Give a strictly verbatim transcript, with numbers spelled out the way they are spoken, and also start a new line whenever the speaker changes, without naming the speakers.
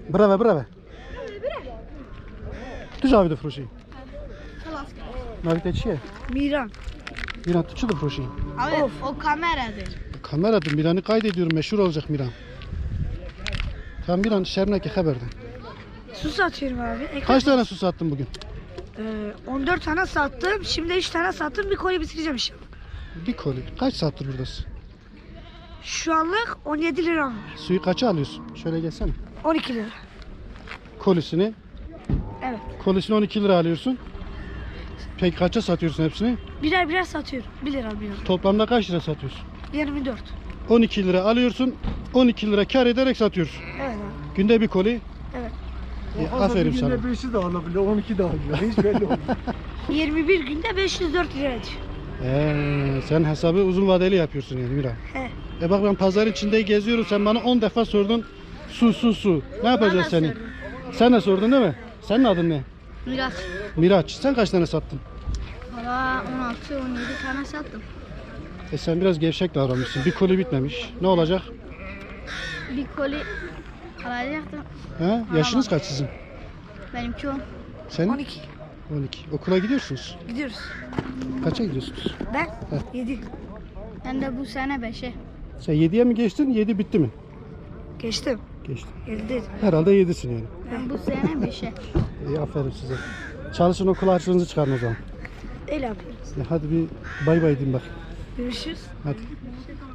Bravo, bravo. Tu já ouviu frouxi? Não ouviu teixi?
Miran.
Miran tu da frouxi.
Abi o kameradır.
Kameradır. Miran'ı kaydediyorum. Meşhur olacak Miran. Tamam Miran şermneki haberde.
Su satıyorum abi. Ekmek-
Kaç tane su sattın bugün?
Ee, on dört tane sattım. Şimdi üç tane sattım. Bir koli bitireceğim inşallah.
Bir koli. Kaç saattir buradasın?
Şu anlık on yedi lira var.
Suyu kaça alıyorsun? Şöyle gelsene.
on iki lira.
Kolisini.
Evet.
Kolisini on iki lira alıyorsun. Peki kaça satıyorsun hepsini?
Birer birer satıyorum. bir lira alıyorum.
Toplamda kaç lira satıyorsun?
yirmi dört.
on iki lira alıyorsun. on iki lira kar ederek satıyorsun.
Evet abi.
Günde bir koli.
Evet.
E, aferin sana.
Günde beşi de alabiliyor, on iki de alabiliyor. Hiç belli olmuyor.
yirmi bir günde beş yüz dört lira ediyor.
Ee, sen hesabı uzun vadeli yapıyorsun yani Miran.
He.
E bak ben pazar içinde geziyorum. Sen bana on defa sordun. Su su su. Ne yapacağız
da
seni?
sordum.
Sen de sordun değil mi? Senin adın ne?
Biraz.
Miraç. Sen kaç tane sattın?
Valla on altı on yedi tane sattım.
E sen biraz gevşek davranmışsın. Bir koli bitmemiş. Ne olacak?
Bir koli alacaktım.
He? Yaşınız kaç sizin?
Benimki on.
Senin?
on iki.
on iki. Okula gidiyorsunuz.
Gidiyoruz.
Kaça gidiyorsunuz?
Ben yedi.
Ben de bu sene beşe.
Sen yediye mi geçtin? yedi bitti mi?
Geçtim.
Geçtin.
yedi değil.
Herhalde yedisin yani.
Ben bu sene beşe.
İyi aferin size. Çalışın okul harçlığınızı çıkarın o zaman.
Öyle yapıyoruz.
E hadi bir bay bay diyeyim bak.
Görüşürüz.
Hadi.